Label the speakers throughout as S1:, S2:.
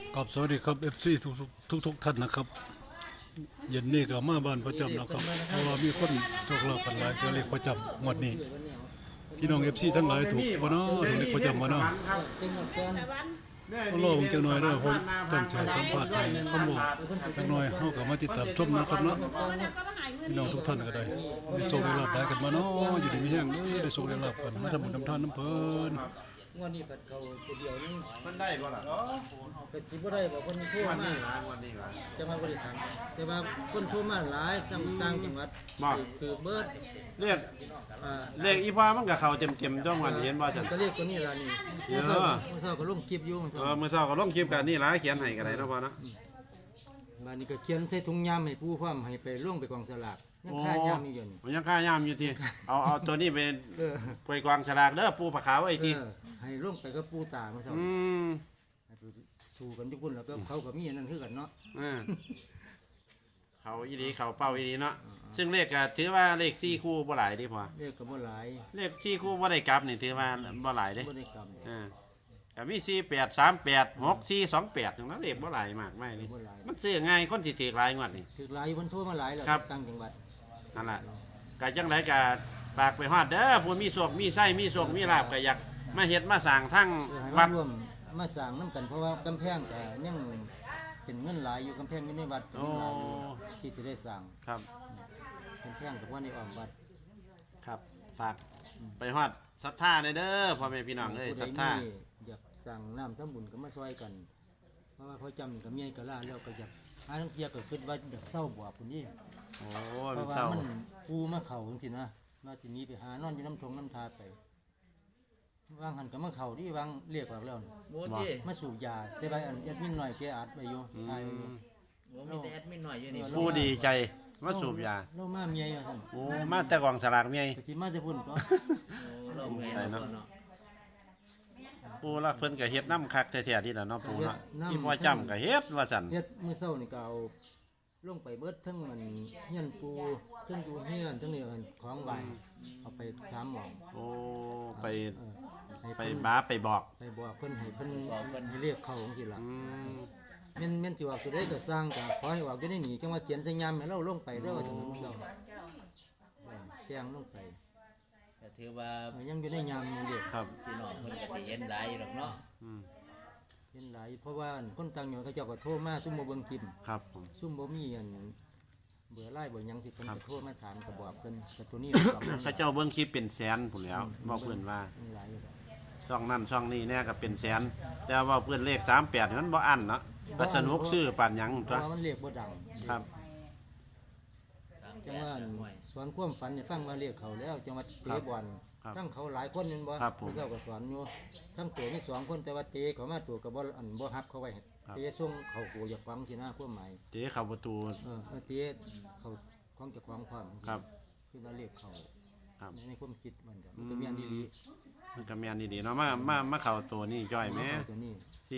S1: กับสวัสดีครับ FC ทุกท่านนะครับเย็นนี้ก็มาบ้านประจำนะครับเพราะว่ามีคนโชคลาภกันหลายตัวเลขประจำงวดนี้พี่น้อง FC ทั้งหลายถูกบ่เนาะถูกเลขประจำบ่เนาะก็รอผมจักหน่อยเด้อผมต้องใช้สัมภาษณ์ให้คำบอกจักหน่อยเฮาก็มาติดตามชมนะครับเนาะพี่น้องทุกท่านก็ได้โชคได้ลาภได้กันมาเนาะอยู่ดีมีแห้งเด้อได้โชคได้ลาภกันมาทำบุญทำทานน้ำเพิ่น
S2: งวดนี้ปัดเขาตัวเดียวนี่
S3: มันได้บ่ล่ะ
S2: เป็ดสิบ่ได้บอกคนทั่ว
S3: วัน
S2: มา
S3: นี้ล่ะวันนี้ล่ะ
S2: จะมาบริการแต่ว่าคนทั่วมาหลายต่างจังหวัดคือเบิร์ด
S3: เรียก
S2: อ่า
S3: เรียกอีพ่อมันก็เข้าเต็มๆจ้องวันเห็นบ่ซั่น
S2: ก็เรียกตัวนี้ล่ะนี่เมื่อเช้าก็ลงคลิปอยู่
S3: มื้อเช้าก็ลงคลิปกันนี่ล่ะเขียนให้ก็ได้เนาะพ่อเนาะ
S2: บ้านนี้ก็เขียนใส่ถุงยามให้ผู้พร้อมให้ไปลงไปกองสลากยังค่ายามอยู่นี่
S3: มันยังค่ายามอยู่ติเอาตัวนี้ไป
S2: เออ
S3: ไปกองฉลากเด้อปูผาขาวไอ้ติ
S2: ให้ลงไปกับผู้ตาเมื่อเช้า
S3: ม
S2: ให้ไปสู้กันทุกคนแล้วก็เขาก็มีอันนั้นคือกันเนาะ
S3: เออเขาอีหลีเขาเป้าอีหลีเนาะซึ่งเลขก็ถือว่าเลข4คู่บ่หลายเดิพ่อ
S2: เรียกก็บ่หลาย
S3: เลข4คู่บ่ได้กลับนี่ถือว่าบ่หลายเด้
S2: บ่ได้กรรม
S3: ก็มี4838 6428จังนั้นเลขบ่หลายมากไม่นี่
S2: บ่หลาย
S3: มันซื้อง่ายคนสิถือหลายงวดนี่
S2: ถือหลายคนโทรมาหลายแล้ว
S3: ครับ
S2: ต่างจังหวัด
S3: นั่นแหละก็จังไรก็ฝากไปฮอดเด้อผู้มีโชคมีไส้มีโชคมีลาภก็อยากมาเฮ็ดมาสร้างทั้ง
S2: ให้
S3: วั
S2: มา
S3: ด
S2: ร่วมมาสร้างน้ำกันเพราะว่ากำแพงแต่ยังเป็นเงินหลายอยู่กำแพงอยู่ในวัดเป็นเงินหลายอยู่ที่จะได้สร้าง
S3: ครับ
S2: กำแพงกับว่าในอ้อมวัด
S3: ครับฝากไปฮอดศรัทธาเด้อพ่อแม่พี่น้องเอ้ย
S2: ผู้
S3: ศ
S2: ใด
S3: รัทธา
S2: มีอยากสั่งน้ำทั้งบุญก็มาซอยกัน เพราะว่าเขาจำกับเมียก็ล่าแล้วก็อยากหาทั้งเทียก็คิดว่าอยากเศร้าบวกคนนี้
S3: โอ้
S2: เพ
S3: เป็น
S2: ราะว่า
S3: เศร้า
S2: มันปูมาเข่าจริงๆนะว่าทีนี้ไปหานอนอยู่น้ำทงน้ำทาไปวางหันกับมาเข่าที่วางเรียกออกแล้วนี่
S4: โมจิ
S2: มาสูบยาแต่ไปอันยัดมินหน่อยแกอัดไปอยู่ตายไปอยู่
S4: โมมีแต่แอดมินหน่อยอยู่นี่
S3: ผู้ดีใจมาสูบยา
S2: เรามาเมียอยู่สั่น
S3: โอ้มาแต่กองสลากเมีย
S2: ก็สิมาจะพุ่นตัว
S4: โอ้เราแม่เนาะเนาะ
S3: ปูละเพิ่นก็เฮ็ดน้ำคักแท้ๆที่ละเนาะปูเนาะ
S2: เฮ็ดน้ำ
S3: อีพ่อจำก็เฮ็ดว่าซั่น
S2: เฮ็ดมื้อเช้านี่ก็เอาลงไปเบิดทั้งมันเฮียนปูทั้งอยู่เฮียนทั้งนี่ของใบเอาไป3หม่อง
S3: โอ้ไป
S2: เออให้
S3: ไป
S2: เพิ่น
S3: บ้าไปบอก
S2: ไปบอกเพิ่นให้เพิ่นให้เรียกเขาจังซี่ล่ะ
S3: อืม
S2: แม่นสิว่าสิได้ก็สร้างก็ขอให้ว่าอยู่ในนี้จังว่าเขียนใส่ยามให้เราลงไปเด้อว่าจังมื้อเช้าแจ้งลงไป
S4: ก็ถือว่า
S2: ยังอยู่ในยามอยู่เด้อ
S3: ครับ
S4: พี่น้องเพิ่นก็สิเห็นหลายอยู่หรอกเนาะ
S3: อืม
S2: เห็นหลายเพราะว่าคนต่างจังหวัดเขาเจ้าก็โทรมาซุ่มบ่เบิ่งคลิป
S3: ครับผม
S2: ซุ่มบ่มีอันเบื่อไล่เบื่อหยังสิเพิ่นก็โทรมาถามก็บอกเพิ่นก็ตัวนี้บอก
S3: เขาเจ้าเบิ่งคลิปเป็นแสนพุ่นแหล้วบอกเพิ่นว่า
S2: หลายอยู่แล้ว
S3: ช่องนั่นช่องนี้เนี่ยก็เป็นแสน แต่ว่าเพื่อนเลข38มันบ่อันเนาะก็สนุกซื้อปานหยัง
S2: เพ
S3: ตัว
S2: ราะว่ามันเรียกบ่ดัง
S3: ครับ
S2: จังว่าสอนความฝันให้ฟังว่าเรียกเขาแล้วจังหวัดเตะบอล
S3: ครับ
S2: ทั้งเขาหลายคนแม่นบ่
S3: ครับผม
S2: ผู้เจ้าก็สอนอยู่ทั้งตัวมี2คนแต่ว่าเตะเขามาตัวก็บ่อันบ่ฮับเขาไว้
S3: ครับ
S2: เตะส่งเขากูอยากฟังสินะความหมาย
S3: เตะเข้าประตู
S2: เตะเขาของเจ้าของความ
S3: ครับ
S2: คือว่าเรียกเขา
S3: ครับ
S2: ในความคิดมันก็มันก็มีอันดี
S3: มันก็แม่นดีๆเนาะมาเข้าตัวนี้จ้อยแหม่
S2: ตัวนี้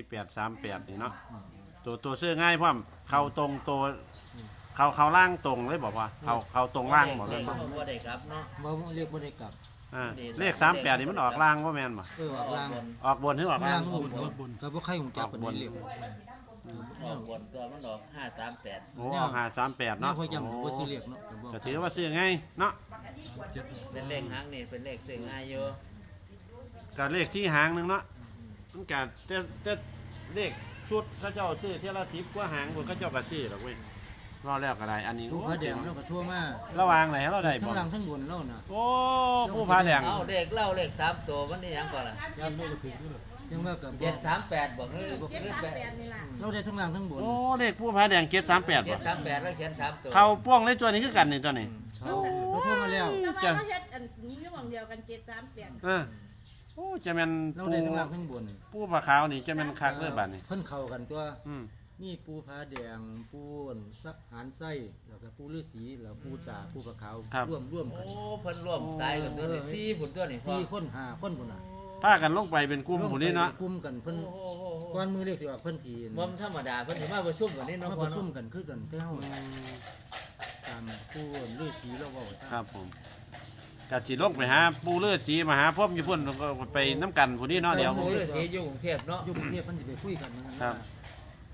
S3: 4838นี่เนาะตัวซื้อง่ายพร้อมเข้าตรงตัวเข้าล่างตรงเลยบอกว่าเข้าตรงล่างบ่
S4: เล
S3: แม่
S4: ย
S3: นบ่
S4: บ่ได้ครับเนาะ
S2: บ่เรียกบ่ได้กลับ
S3: เลข38นี่มันออกล่างบ่แม่นบ่
S2: ออกล่าง
S3: ออกบนหรือออกล่าง
S2: ก็บ่ใครหูจักปานนี้เรียก
S4: ออกบนตัวมันออก538
S3: โอ้ออก538
S2: เนาะ
S3: เนาะ
S2: พอจำบ่สิเรียกเนาะ
S3: ก็ถือว่าซื้อง่ายเนาะ
S4: เป็นเลขหางนี่เป็นเลขซึ่งง่ายอยู่
S3: ก็เลขที่หางหนึงเนาะมันก็แต่เลขชุดเขาเจ้าซื้อเที่ยละ10กว่าหางคนเขาเจ้าก็ซื้อดอกเว้ยรอแล้วก็ได้อันนี้
S2: ผู้
S3: โอ้
S2: พระแดงเราก็ทั่วมา
S3: ระวางไหนเราได้
S2: ทั้
S3: บ่
S2: งล่างทั้งบนเราน่ะ
S3: โอ้ผู้พาแดง
S4: เอ้าเลขเล่าเลข3ตัวมันนี่หยังก่อนล่ะ
S2: ยามบ่ก็ถึงอยู่จังว่าก็บ่
S4: 738บ่หรือ8
S2: เราได้ทั้งล่างทั้งบน
S3: โอ้เลขผู้พาแดง738บ่
S4: 738แล้วเขียน3ตัว
S3: เขาป้วงเลยตัวนี้คือกันนี่ตัวนี้
S2: เขาทั่วมาแล้ว
S1: จ้ะ
S5: เราเฮ็ดอันนี้หม่องเดียวกัน738
S3: เออโอ้จะแม่น
S2: เราได้ทั้งล่างทั้งบน
S3: ผู้ผาขาวนี่จะแม่นคักเลยบัดนี้
S2: เพิ่นเข้ากันตัว
S3: อืม
S2: มีปูผาแดงปูสักหานไส้แล้วก็ปูฤาษีแล้วปูตาปูผาขาวร่วมกัน
S4: โอ้เพิ่นร่วมใจกันตัวนี้4พุ่นตัวนี้พ่อ
S2: 4คน5คนพุ่นน่ะ
S3: พากันลงไปเป็นกลุ่มผู้นี้เนาะ
S2: กลุ่มกันเพิ่น
S4: โอ้โห
S2: ก่อนมือเรียกสิว่าเพิ่นที
S4: บ่ธรรมดาเพิ่นสิมาประชุมกันนี่เนาะ
S2: มา
S4: พ่
S2: ป
S4: อ
S2: ระชุ
S4: เนาะ
S2: มกันคือกันแต่เฮาตามผู้ฤาษีเราเว้าตาม
S3: ครับผมก็สิลงไปหาปู่ฤาษีมาหาพรหมอยู่พุ่นก็ไปน้ำกันผู้นี้เนาะเดี๋ยว
S4: หมู่ฤาษีอยู่กรุงเทพเนาะ
S2: อยู่กรุงเทพเพิ่นสิไปคุยกันเหมือนกัน
S3: ครับ
S2: ว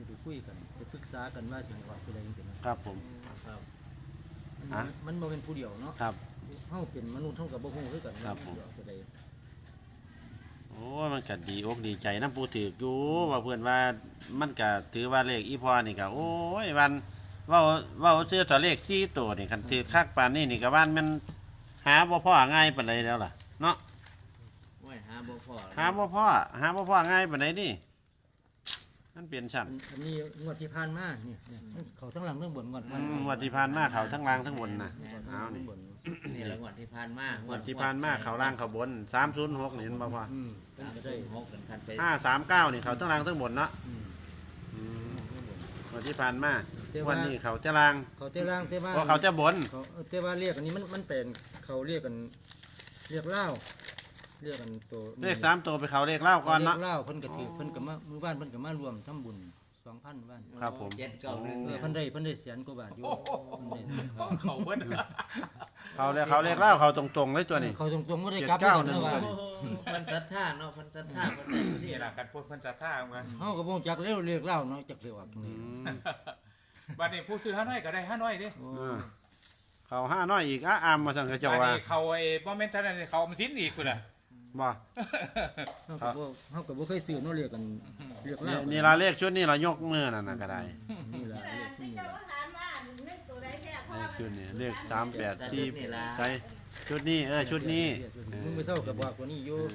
S2: ไปคุยกันไปปรึกษากันว่าสิให้ว่าผู้ใดจังซี่นะครับ
S3: ผม
S4: ครับ
S3: ฮะ
S2: มันบ่เป็นผู้เดียวเนาะ
S3: ครับ
S2: เฮาเป็นมนุษย์เฮาก็บ่ฮู้คือกัน
S3: ครับผม
S2: ว่าผู้ใด
S3: โอ้มันก็ดีอกดีใจน้ำปูถือกอยู่ว่าเพื่อนว่ามันก็ถือว่าเลขอีพอนี่ก็โอ้ยวันเว้าซื้อตัวเลข4ตัวนี่คันถือคักปานนี้นี่ก็ว่านมันหาบ่พอง่ายปานใดแล้วล่ะเนาะ
S4: โอ้ยหาบ่พอ
S3: หาบ่พอง่ายปานใดนี่มันเปลี่ยนชั้น
S2: อันนี้งวดที่ผ่านมาเนี่ยเขาทั้งหลังทั้งบนงวด
S3: งวดที่ผ่านมาเขาทั้งล่างทั้งบนน่ะเอานี่
S4: นี่ละงวดที่ผ่านมาง
S3: วดที่ผ่านมาเขาล่างเขาบน306นี่เห็นบ่พอ
S2: เป็น
S4: ก็
S2: ก็
S4: ได้
S2: ได้
S4: หกกันคันไป
S3: 539นี่เขาทั้งล่างทั้งบนเนาะ
S2: อืม
S3: งวดที่ผ่านมา
S2: แต่ว่า
S3: วันนี้เขาจะล่าง
S2: เขาแต่ล่างแต่ว่า
S3: เพราะเขาจะบน
S2: เขาแต่ว่าเรียกอันนี้มันเป็นเขาเรียกกันเรียกเล่าเรียกกันตัว
S3: เลข3ตัวไปเขาเลขเล่าก่อนเนาะ
S2: เรียกเล่าเพิ่นก็ถือเพิ่นก็มามือบ้านเพิ่นก็มารวมทำบุญ 2,000บ้าน
S3: ครับผม
S4: 791เนี่ย
S2: เพิ่นได้แสนกว่าบาทอยู่เพิ่นได้
S6: เขาเบิ้ล
S3: เขาเลขเล่าเขาตรงๆเลยตัวนี้
S2: เขาตรงๆบ่ได้กลับ
S3: 791
S2: นะว่า
S4: โอ้โหมันศรัทธาเนาะมันศรัทธาเพิ่นได้อยู่
S6: นี่
S4: นี่
S6: แหละกันพวกเพิ่นจะท่าเหมือนกัน
S2: เฮาก็บ่จักเร็วเรียกเล่าเนาะจักเรียกว่านี่
S6: บัดนี้ผู้ซื้อห้าน้อยก็ได้ห้าน้อยดิ
S2: โอ้
S3: เขาห้าน้อยอีกอ้าอามมาสั่งกระเจ้า
S6: บัด
S3: ว่า
S6: นี้เขาไอ้บ่แม่นเท่านั้นเขาอมสินอีกพุ่นน่ะ
S3: บ่
S2: เฮาก็บ่เคยซื้อเนาะเรียกกันเรียก
S3: นี่
S2: เล่า
S3: นี่ละเลขชุดนี้เรายกมือนั่นน่ะก็ได้
S2: นี่ล่ะเรียกที่
S5: ที่
S2: นี่
S5: เจ้า
S2: ล่ะ
S5: ถามว่าเล่นตัวใดแท้พ่อ
S3: เลขชุดนี้เลข384ใช่ชุดนี้ชุดนี้
S2: มึงไปเศร้ากับบอกกว่านี้อยู่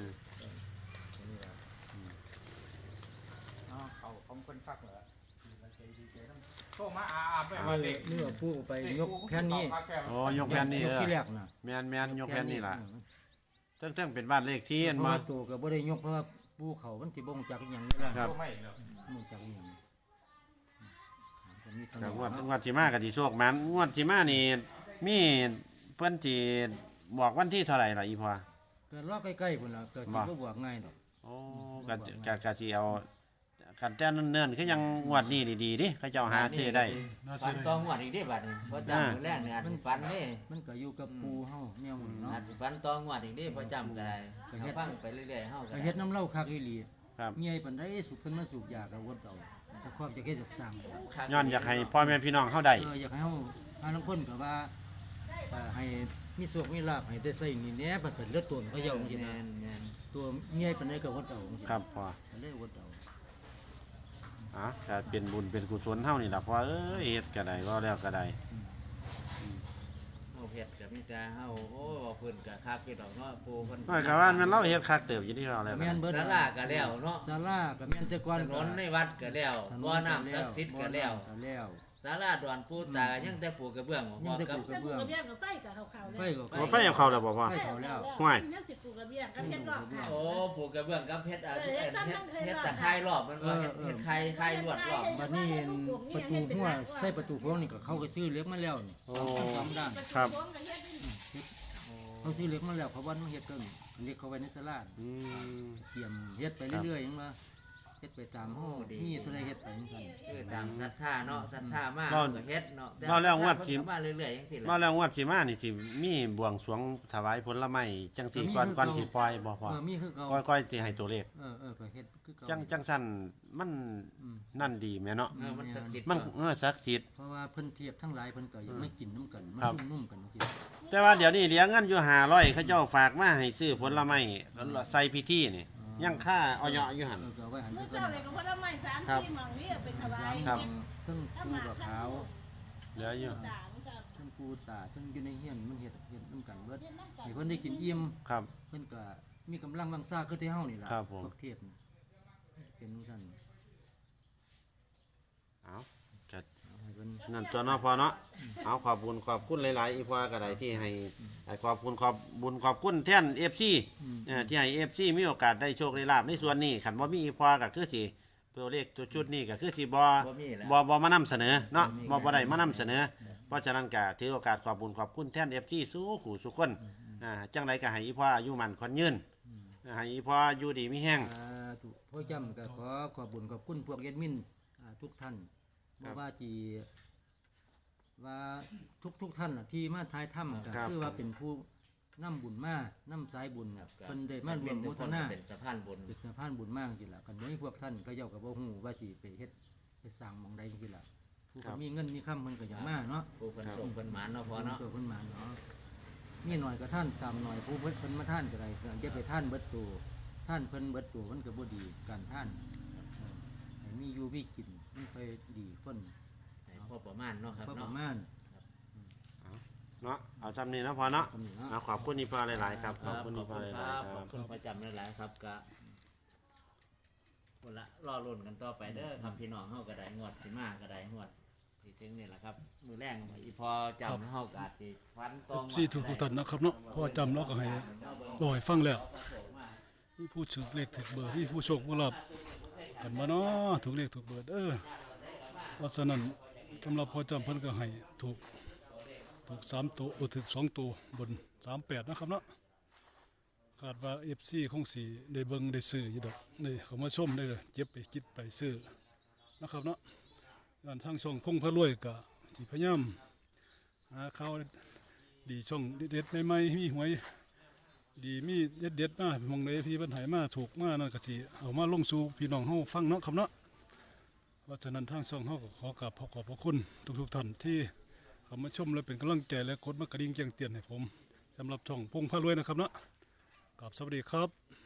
S6: เขาคนฟักเหรอโตมาอาไปมาเด็ก
S2: นี่ว่าผู้ไปยกแผ่นนี้
S3: โอ้ยกแผ่นนี้
S2: ยกที่แรกน่ะ
S3: แม่นยกแผ่นนี้ล่ะเทั้งเป็นบ้านเลขที่อัน
S2: เพราะ
S3: มา
S2: ว่าตัวก็บ่ได้ยกเพราะว่าผู้เขามันสิบ่งจักอีหยังนี่ล่ะ
S3: ครับ
S6: ไม่เนาะ
S2: บ่งจักอีหยังก็มีเท่า
S3: ก็
S2: นั้น
S3: งวดสิมาก็สิโชคมันงวดสิมานี่มีเพิ่นสิบอกวันที่เท่าไหร่ล่ะอีพอ
S2: ก็รอใกล้ๆพุ่นล่ะก็สิบ่บวกง่ายดอก
S3: โอ้ก็สิเอากันแต่เนิ่นๆคือยังงวดนี้ดีๆดิเขาเจ้าหาซื้อได้
S4: ฟันตองงวดอีกได้บัดนี้เพราะจำมื้อแรกเนี่ยอาจสิฟันเด้
S2: มันก็อยู่กับปูเฮาแนวมันเนาะ
S4: อาจสิฟันตองงวดอีกได้เพราะจำก็ได้ถ้าฟังไปเรื่อยๆเฮาก็
S2: ก็เฮ็ดน้ำเหล้าคักอีหลี
S3: ครับ
S2: เมียปานใดสุขเพิ่นมาสูบยาก็วดเอาแต่ความจะเฮ็ดจักสร้าง
S3: ย้อนอยากให้พ่อแม่พี่น้องเฮาได้
S2: อยากให้เฮาหาลางคนก็ว่าให้มีโชคมีลาภให้ได้ใส่นี่แหน่บัดเป็นเลือดตัวเขาเจ้าจังซี่นะ
S4: แม่น
S2: ตัวเมียปานใดก็วดเอาจังซี่
S3: ครับพ่อ
S2: ก็เลยวดเอา
S3: ก็เป็นบุญเป็นกุศลเฮานี่ล่ะพ่อเอ้ยเฮ็ดก็ได้ก็แล้วก็ได้
S4: ๆเฮาเฮ็ดก็มีแต่เฮาโอ้เพิ่นก็คักอยู่ดอกเนาะปู่เพิ่น
S3: น้อยก็ว่ามันเราเฮ็ดคักเติบอยู่ที่เราแล้ว
S2: แม่นเบิด
S4: ศาลาก็แล้วเนาะ
S2: ศาลาก็แม่นแต่ก่อน
S4: ถนนในวัดก็แล้วบ่อน้ำศักดิ์สิทธิ์ก็แล้ว
S2: ก็แล้ว
S4: ศาลาดอนปู่ตาก็ยังแต่ปูกระเบื้องบ่
S2: ยังแต่
S4: กับ
S2: ปู
S5: แต่ปลูกกระเบี้ยงกับไฟกับเขาๆ
S2: ไฟ
S5: เลย
S2: ก็
S3: บ่ไฟเอาเข้าแล้วบ่พ่อ
S2: ไฟเขาแล้ว
S3: ห่วย
S5: ยังสิปลูกกระเบี้ยงกับเฮ็ดรอบค่ะ
S4: โอ้ปูกระเบื้องกับเฮ็ดเฮ็ดตะไคร้รอบมันว่าเฮ็ดไข่ลวดรอบ
S2: บัดนี้ประตูหัวใส่ประตูโค้งนี่ก็เขาก็ซื้อเหล็กมาแล้วนี่
S3: โอ้
S2: สองด้าน
S3: ครับ
S2: เขาซื้อเหล็กมาแล้วเขาวันมาเฮ็ดกันเหล็กเขาไว้ในศาลา
S3: อืม
S2: เตรียมเฮ็ดไปเรื่อยๆยังว่าเฮ็ดไปตามห้องมีเท่าไรเฮ็ดไปจังซั่น
S4: คือตามศรัทธาเนาะศรัทธามากก็เฮ็ดเนาะ
S3: เราแล้วงวดสิ
S4: มาเรื่อยๆจังซี่แห
S3: มา
S4: ละ
S3: แล้วงวดสิมานี่สิมีบวงสรวงถวายผลไม้จังสิก่อนสิปล่อยบ่พ่อ
S2: มีคือเก่า
S3: ก้อยๆสิให้ตัวเลข
S2: ก็เฮ็ดคือเก่า
S3: จังสั่นมันนั่นดีแม่เนาะ
S4: มันศักดิ์สิทธิ์
S3: มันศักดิ์สิทธิ์
S2: เพราะว่าเพิ่นเทียบทั้งหลายเพิ่นก็ยังไม่กินน้ำกันมา
S3: ครับ
S2: ซุ่มนุ่มกันจังซี่
S3: แต่ว่าเดี๋ยวนี้เหลือเงินอยู่500เขาเจ้าฝากมาให้ซื้อผลไม้ใส่พิธีนี่ยังค่าออยอยู่หั่น
S2: ก็ไว้หัน
S5: เมื่อ
S2: ไป
S5: เจ้าเลยก็พอละไม้3 4หม่องนี้ไปถวาย
S3: ครับ
S2: ทั้งปูกับขาว
S3: เหลืออยู่
S5: ต่างกับ
S2: ทั้งปูตาทั้งอยู่ในเฮียนมันเฮ็ดน้ำกันเบิดให้เพิ่นได้กินอิ่ม
S3: ครับ
S2: เพิ่นก็มีกำลังวังซ่าคือที่เฮานี่ล่ะ
S3: ครับผม
S2: พวกเทพนี่เป็นจังซั่น
S3: เอาก็
S2: ให้เพิ่น
S3: นั่นตัวเนาะพอเนาะเอาขอบคุณหลายๆอีพอก็ได้ที่ให้ขอบคุณแท่น FC ที่ให้ FC มีโอกาสได้โชคได้ลาภในส่วนนี้คันบ่มีอีพอก็คือสิตัวเลขตัวชุดนี้ก็คือสิบ่
S4: มีแล้ว
S3: บ่มานำเสนอเนาะบ่ได้มานำเสนอ เพราะฉะนั้นก็ถือโอกาสขอบคุณแท่น FC สู้ขู่สุคนจังไดก็ให้อีพออายุมันขวัญยืนให้อีพออยู่ดีมีแห้ง
S2: ถูกพ่อจำก็ขอบคุญขอบคุณพวกแอดมินทุกท่าน
S3: ครับ
S2: บ่ว่าที่ว่าทุกท่านน่ะที่มาทายถ้ำก็
S3: ครับ
S2: คือว่าเป็นผู้นำบุญมานํสายบุญน่ะเพิ่นได้มารวม
S4: ทุ
S2: โม
S4: ก
S2: ท
S4: คน
S2: นา
S4: เป็นสะพานบุญ
S2: เป็นสะพานบุญมากจริงๆล่ะกันบ่มีพวกท่านก็เจ้าก็บ่ฮู้ว่าสิไปเฮ็ดไปสร้างหมองใดจังซี่ล่ะผู้ก็มีเงินมีคำมันก็อยากมาเนาะ
S4: ผู้เพิ่นส่งเพิ่นหมานเนาะพอเนาะ
S2: ช่วยเพิ่นมาเนาะมีหน่อยก็ท่านตามหน่อยผู้เพิ่นมาท่านก็ได้อย่าไปท่านเบิดตัวท่านเพิ่นเบิดตัวมันก็บ่ดีการท่านให้มีอยู่มีกินมันค่อยดีคน
S4: ให้พอประมาณเนาะครับ
S2: พอป
S4: เนาะ
S2: ระมาณ
S3: เนาะเอาจำนี้นะพอเนาะ
S2: ทำนี่เนาะ
S3: เอาขอบคุณอีพอหลายๆครับ
S4: ค
S3: ข
S4: รั
S3: อบบ คุณ
S4: ข
S3: อี
S4: อบ
S3: พอ
S4: คุณ
S3: ห
S4: ค
S3: ลาย
S4: รับ
S3: ๆค
S4: ข
S3: รั
S4: อบบ คุณประจำหลายๆครับก็คนละรอลุ้นกันต่อไปเด้อครับพี่น้องเฮาก็ได้งวดสิมาก็ได้งวดที่ถึงนี่แหละครับมือแรงอีพอจำเฮาก็อาจสิฟันตรง
S1: สี่ทุกท่านนะครับเนาะเพราะว่าจำเราก็ให้รอให้ฟังแล้วมีผู้ถือเลขถือเบอร์มีผู้โชคผู้ลาภกันมาเนาะถูกเลขถูกเบอร์เพราะฉะนั้นสำหรับพอจำเพิ่นก็ให้ถูก3ตัวถูก2ตัวบน38นะครับเนาะคาดว่า FC คงสิได้เบิ่งได้ซื้ออยู่ดอกได้เข้ามาชมได้เก็บไปคิดไปซื้อนะครับเนาะด้านทางช่องพงพระรวยก็สิพยายามหาข่าวดีช่องเด็ดๆใหม่ๆมีหวยดีมีเด็ดๆมาหมองใดพี่เพิ่นให้มาถูกมานั่นก็สิเอามาลงสู่พี่น้องเฮาฟังเนาะครับเนาะเพราะฉะนั้นทางช่องเฮาก็ขอกราบขอบพระคุณทุกๆท่านที่เข้ามาชมและเป็นกำลังใจและกดมากระดิ่งแจ้งเตือนให้ผมสำหรับช่องพงพระรวยนะครับเนาะกราบสวัสดีครับ